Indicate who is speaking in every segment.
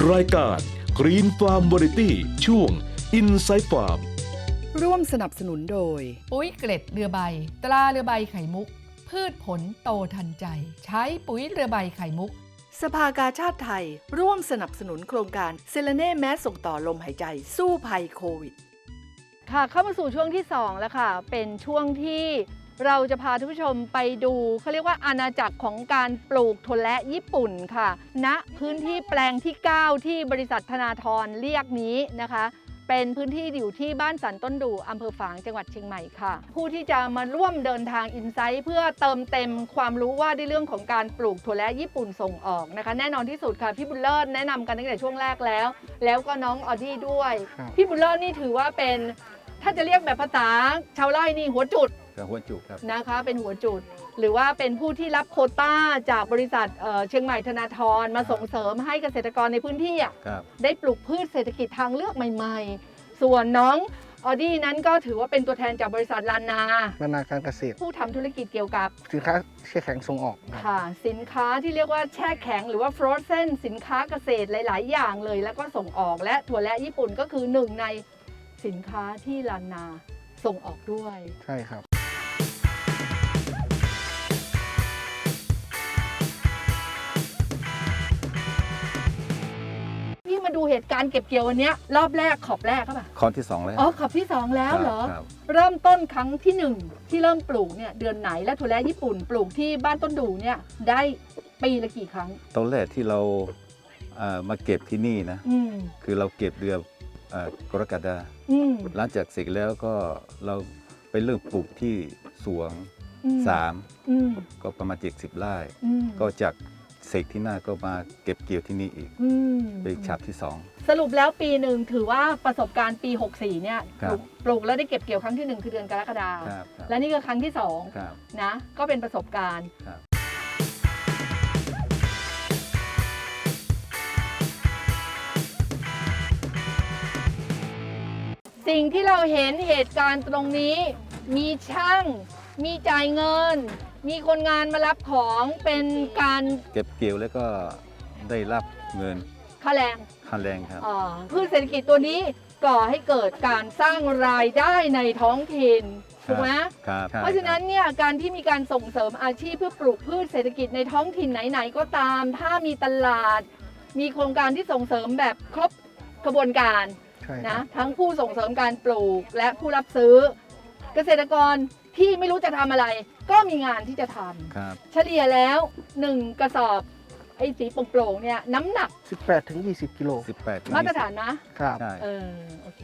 Speaker 1: รายการ Green Farm Variety ช่วง Inside Farm
Speaker 2: ร่วมสนับสนุนโดย
Speaker 3: ปุ๋ยเกล็ดเรือใบตราเรือใบไข่มุกพืชผลโตทันใจใช้ปุ๋ยเรือใบไข่มุก
Speaker 2: สภากาชาติไทยร่วมสนับสนุนโครงการเซเลเน่แมสส่งต่อลมหายใจสู้ภัยโควิด
Speaker 4: ค่ะเข้ามาสู่ช่วงที่2แล้วค่ะเป็นช่วงที่เราจะพาทุกผู้ชมไปดูเขาเรียกว่าอาณาจักรของการปลูกถั่วและญี่ปุ่นค่ะณพื้นที่แปลงที่9ที่บริษัทธนาธรเรียกนี้นะคะเป็นพื้นที่อยู่ที่บ้านสันต้นดูอำเภอฝางจังหวัดเชียงใหม่ค่ะผู้ที่จะมาร่วมเดินทางอินไซต์เพื่อเติมเต็มความรู้ว่าในเรื่องของการปลูกถั่วและญี่ปุ่นส่งออกนะคะแน่นอนที่สุดค่ะพี่บุญเลิศแนะนำกันตั้งแต่ช่วงแรกแล้วก็น้องออดี้ด้วยพี่บุญเลิศนี่ถือว่าเป็นถ้าจะเรียกแบบภาษาชาวไร่นี่หัวจุด
Speaker 5: ครับ
Speaker 4: นะคะเป็นหัวจุดหรือว่าเป็นผู้ที่รับโควต้าจากบริษัทเชียงใหม่ธนาธรมาส่งเสริมให้เกษตรกรในพื้นที่ได้ปลูกพืชเศรษฐกิจทางเลือกใหม่ๆส่วนน้องออดี้นั้นก็ถือว่าเป็นตัวแทนจากบริษัทลานา
Speaker 5: การเกษตร
Speaker 4: ผู้ทำธุรกิจเกี่ยวกับ
Speaker 5: สินค้าแช่แข็งส่งออก
Speaker 4: ค่ะสินค้าที่เรียกว่าแช่แข็งหรือว่า frozen สินค้าเกษตรหลายๆอย่างเลยแล้วก็ส่งออกและถั่วและญี่ปุ่นก็คือหนึ่งในสินค้าที่ลานาส่งออกด้วย
Speaker 5: ใช่ครับ
Speaker 4: พี่มาดูเหตุการณ์เก็บเกี่ยววันนี้รอบแรกขอบแรกก็ป่ะ
Speaker 5: ขอบที่2แล้ว
Speaker 4: ขอบที่2แล้วเหรอเริ่มต้นครั้งที่1ที่เริ่มปลูกเนี่ยเดือนไหนและถั่วและญี่ปุ่นปลูกที่บ้านต้นดูเนี่ยได้ปีละกี่ครั้ง
Speaker 5: ตอนแรกที่เรามาเก็บที่นี่นะคือเราเก็บเดือนกรกฎาคมหลังจากเสร็จแล้วก็เราไปเริ่มปลูกที่สวง3ก็ประมาณ70 ไร่ก็จากเสกที่หน้าก็มาเก็บเกี่ยวที่นี่อีกเป็นฉาบที่2
Speaker 4: สรุปแล้วปีหนึ่งถือว่าประสบการณ์ปี64เนี่ยปลูกแล้วได้เก็บเกี่ยวครั้งที่1คือเดือนกรกฎาคมและนี่ก็ครั้งที่2นะก็เป็นประสบการณ์สิ่งที่เราเห็นเหตุการณ์ตรงนี้มีช่างมีจ่ายเงินมีคนงานมารับของเป็นการ
Speaker 5: เก็บเกี่ยวแล้วก็ได้รับเงิน
Speaker 4: ค่าแรง
Speaker 5: ครับ
Speaker 4: พืชเศรษฐกิจตัวนี้ก่อให้เกิดการสร้างรายได้ในท้องถิ่นถูกไหมเพราะฉะนั้นเนี่ยการที่มีการส่งเสริมอาชีพเพื่อปลูกพืชเศรษฐกิจในท้องถิ่นไหนๆก็ตามถ้ามีตลาดมีโครงการที่ส่งเสริมแบบครบกระบวนการนะทั้งผู้ส่งเสริมการปลูกและผู้รับซื้อเกษตรกรที่ไม่รู้จะทำอะไรก็มีงานที่จะทำเฉลี่ยแล้ว1กระสอบไอ้สีโปร่งๆเนี่ยน้ำหนัก
Speaker 5: 18-20 กิโล
Speaker 4: มาตรฐานนะครับโอเค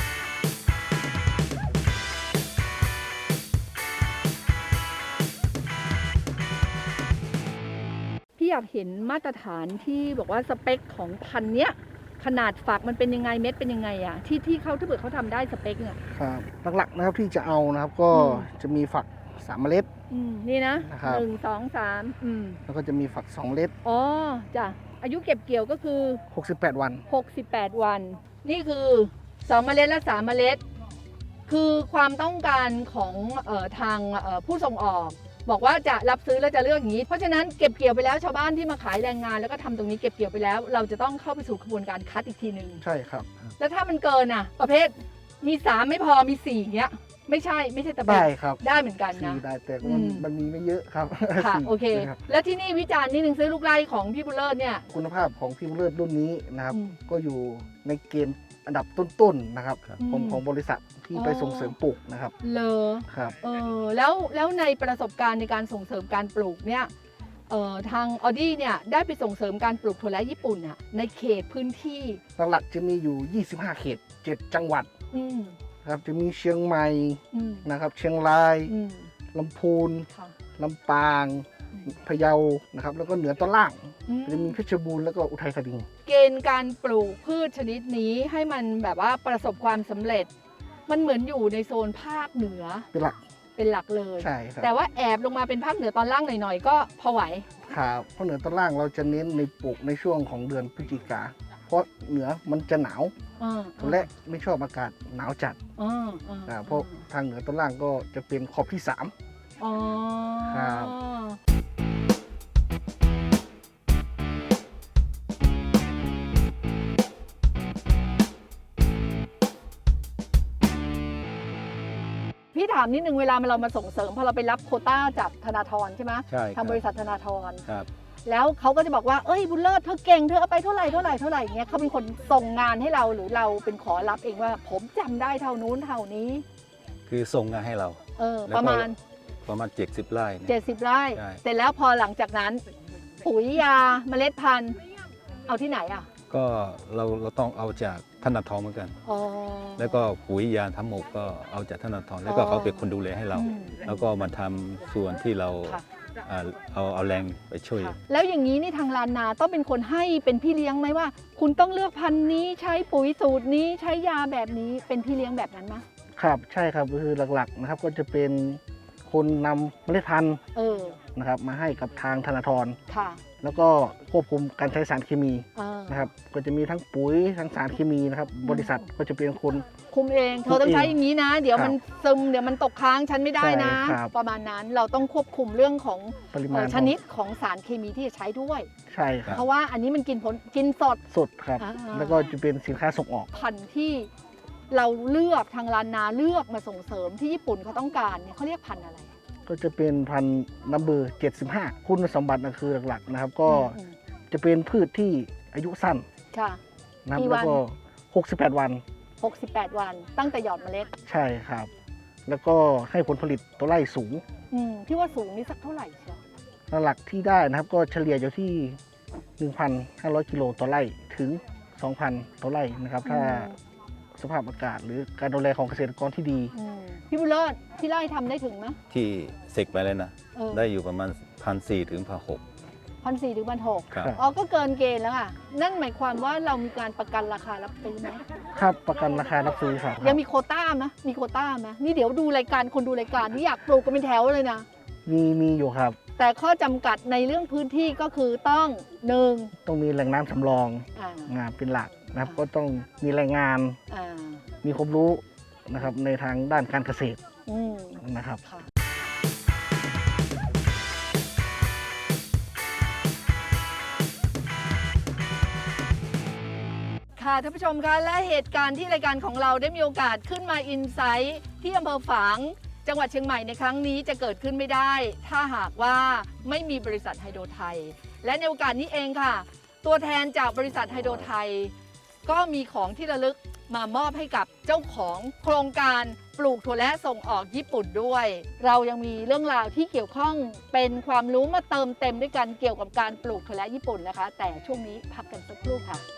Speaker 4: พี่อยากเห็นมาตรฐานที่บอกว่าสเปคของพันธุ์เนี้ยขนาดฝักมันเป็นยังไงเม็ดเป็นยังไงอ่ะที่เขาถ้าเกิดเขาทำได้สเปคเนี่ย
Speaker 5: ครับหลักๆนะครับที่จะเอานะครับก็จะมีฝัก3 เมล็ด
Speaker 4: นี่นะ1 2 3
Speaker 5: แล้วก็จะมีฝัก2 เมล็ด
Speaker 4: อ๋อจ้ะอายุเก็บเกี่ยวก็คือ
Speaker 5: 68 วัน
Speaker 4: นี่คือ2 เมล็ดและ3 เมล็ดคือความต้องการของทางผู้ส่งออกบอกว่าจะรับซื้อแล้วจะเลือกอย่างนี้เพราะฉะนั้นเก็บเกี่ยวไปแล้วชาวบ้านที่มาขายแรงงานแล้วก็ทำตรงนี้เก็บเกี่ยวไปแล้วเราจะต้องเข้าไปสู่กระบวนการคัดอีกทีนึง
Speaker 5: ใช่ครับ
Speaker 4: แล้วถ้ามันเกินอ่ะประเภทมี3ไม่พอมี4เงี้ยไม่ใช่ตะเบ
Speaker 5: ได้ครับ
Speaker 4: ได้เหมือนกันนะ
Speaker 5: ได้แต่มันมีไม่เยอะครับ
Speaker 4: ค่ะโอเคแล้วที่นี่วิจารณ์นิดนึงซื้อลูกไร่ของพี่บุญเลิศเนี่ย
Speaker 5: คุณภาพของพี่บุญเลิศรุ่นนี้นะครับก็อยู่ในเกณฑ์อันดับต้นๆนะครับของบริษัทที่ไปส่งเสริมปลูกนะครับ
Speaker 4: เลย
Speaker 5: ครับ
Speaker 4: แล้วในประสบการณ์ในการส่งเสริมการปลูกเนี่ยทางออดี้เนี่ยได้ไปส่งเสริมการปลูกถั่วและญี่ปุ่นอ่ะในเขตพื้นที่
Speaker 5: หลักๆจะมีอยู่25 เขต7 จังหวัดครับจะมีเชียงใหม่นะครับเชียงรายลำพูนลำปางพะเยานะครับแล้วก็เหนือตอนล่างจะมีเพชรบูรณ์แล้วก็อุทัยธานี
Speaker 4: เกณฑ์การปลูกพืชชนิดนี้ให้มันแบบว่าประสบความสำเร็จมันเหมือนอยู่ในโซนภาคเหนือเป็นหลักเลย
Speaker 5: ใช่ครับ
Speaker 4: แต่ว่าแอบลงมาเป็นภาคเหนือตอนล่างหน่อยๆก็พอไหว
Speaker 5: ครับเพราะเหนือตอนล่างเราจะเน้นในปลูกในช่วงของเดือนพฤศจิกาเพราะเหนือมันจะหนาวและไม่ชอบอากาศหนาวจัดเพราะทางเหนือตอนล่างก็จะเป็นขอบที่3ครับ
Speaker 4: พี่ถามนิดนึงเวลาเรามาส่งเสริมพอเราไปรับโควต้าจากธนาธรใช่ไหม
Speaker 5: ใช่ครับ
Speaker 4: ทางบริษัทธนาธร
Speaker 5: ครับ
Speaker 4: แล้วเขาก็จะบอกว่าเอ้ยบุญเลิศเธอเก่งเธอเอาไปเท่าไหร่เเงี้ยเขาเป็นคนส่งงานให้เราหรือเราเป็นขอรับเองว่าผมจำได้เท่านู้นเท่านี้
Speaker 5: คือส่งงานให้เรา แล้วก็
Speaker 4: ประมาณ
Speaker 5: 70 ไร่เนี่ย
Speaker 4: 70 ไร่
Speaker 5: ใช่
Speaker 4: เสร็จแล้วพอหลังจากนั้น ปุ๋ยยาเมล็ดพันธุ์เอาที่ไหนอ่ะ
Speaker 5: ก็เราต้องเอาจากธนาธรเหมือนกัน
Speaker 4: อ๋อ
Speaker 5: แล้วก็ปุ๋ยยาทั้งหมดก็เอาจากธนาธรแล้วก็เขาเป็นคนดูแลให้เรา
Speaker 4: อืม
Speaker 5: แล้วก็มาทำส่วนที่เรา
Speaker 4: ค่ะ
Speaker 5: เอาแรงไปช่วย
Speaker 4: ค่ะแล้วอย่างนี้นี่ทางลานนาต้องเป็นคนให้เป็นพี่เลี้ยงไหมว่า คุณต้องเลือกพันธุ์นี้ใช้ปุ๋ยสูตรนี้ใช้ยาแบบนี้เป็นพี่เลี้ยงแบบนั้นไหม
Speaker 6: ครับใช่ครับก็คือหลักๆนะครับก็จะเป็นคนนำเมล็ดพันธุ์
Speaker 4: เออ
Speaker 6: นะครับมาให้กับทางธนาธร
Speaker 4: ค่ะ
Speaker 6: แล้วก็ควบคุมการใช้สารเคมี
Speaker 4: เออ
Speaker 6: นะครับก็จะมีทั้งปุ๋ยทั้งสารเคมีนะครับบริษัทก็จะเป็นคน
Speaker 4: คุมเองเธอต้องใช้อย่างนี้นะ เดี๋ยวมันซึมเดี๋ยวมันตกค้างฉันไม่ได้นะ
Speaker 6: ใช่ครับ
Speaker 4: ประมาณนั้นเราต้องควบคุมเรื่องของ
Speaker 6: ปริมาณ
Speaker 4: ชนิดของสารเคมีที่จะใช้ด้วย
Speaker 6: ใช่ครับ
Speaker 4: เพราะว่าอันนี้มันกินสด
Speaker 6: สดครับ
Speaker 4: อ่า
Speaker 6: แล้วก็จะเป็นสินค้าส่งออก
Speaker 4: พันธุ์ที่เราเลือกทางลานนาเลือกมาส่งเสริมที่ญี่ปุ่นเขาต้องการเนี่ยเขาเรียกพันธุ์อะไร
Speaker 6: ก็จะเป็นพันธุ์นัมเบอร์75 คุณสมบัตินะคือหลักๆนะครับ ก็
Speaker 4: อืม
Speaker 6: จะเป็นพืชที่อายุสั้น
Speaker 4: ค่ะ
Speaker 6: นะครับ
Speaker 4: กี่วั
Speaker 6: แล้
Speaker 4: น
Speaker 6: วก็68 วัน
Speaker 4: 68 วันตั้งแต่หยอดเมล็ด
Speaker 6: ใช่ครับ แล้วก็ให้ผลผลิตต่อไร่สูง
Speaker 4: พี่ว่าสูงนี่สักเท่าไหร่เชียว
Speaker 6: หลักที่ได้นะครับก็เฉลี่ยอยู่ที่ 1,500 กิโลต่อไร่ถึง 2,000 ต่อไร่นะครับ ถ้าสภาพอากาศหรือการดูแลของเกษตรกรที่ดี
Speaker 4: พี่บุญเลิศที่ไร่ทำได้ถึงไหม
Speaker 5: ที่เสกไปเลยนะ ได้อยู่ประมาณ1,400 ถึง
Speaker 4: 1,400 ถึง 1,600
Speaker 5: ครับ
Speaker 4: อ๋อก็เกินเกณฑ์แล้วค่ะนั่นหมายความว่าเรามีการประกันราคารับซื้อไหม
Speaker 6: ครับประกันราคารับซื้อครับ
Speaker 4: ยังมีโควต้าไหมมีโควต้าไหมนี่เดี๋ยวดูรายการคนดูรายการที่อยากปลูกกันเป็นแถวเลยนะ
Speaker 6: มีอยู่ครับ
Speaker 4: แต่ข้อจำกัดในเรื่องพื้นที่ก็คือต้องหนึ่ง
Speaker 6: ต้องมีแหล่งน้ำสำรอง
Speaker 4: อ่า
Speaker 6: เป็นหลักนะครับ ก็ต้องมีแรงงาน
Speaker 4: อ่า
Speaker 6: มีความรู้นะครับในทางด้านการเกษตร
Speaker 4: อืม
Speaker 6: นะครับ
Speaker 4: ค่ะค่ะท่านผู้ชมคะและเหตุการณ์ที่รายการของเราได้มีโอกาสขึ้นมาอินไซต์ที่อำเภอฝางจังหวัดเชียงใหม่ในครั้งนี้จะเกิดขึ้นไม่ได้ ถ้าหากว่าไม่มีบริษัทไฮโดรไทย และในโอกาสนี้เองค่ะ ตัวแทนจากบริษัทไฮโดรไทย ก็มีของที่ระลึกมามอบให้กับเจ้าของโครงการปลูกถั่วและส่งออกญี่ปุ่นด้วย เรายังมีเรื่องราวที่เกี่ยวข้องเป็นความรู้มาเติมเต็มด้วยกันเกี่ยวกับการปลูกถั่วและญี่ปุ่นนะคะ แต่ช่วงนี้พักกันสักครู่ค่ะ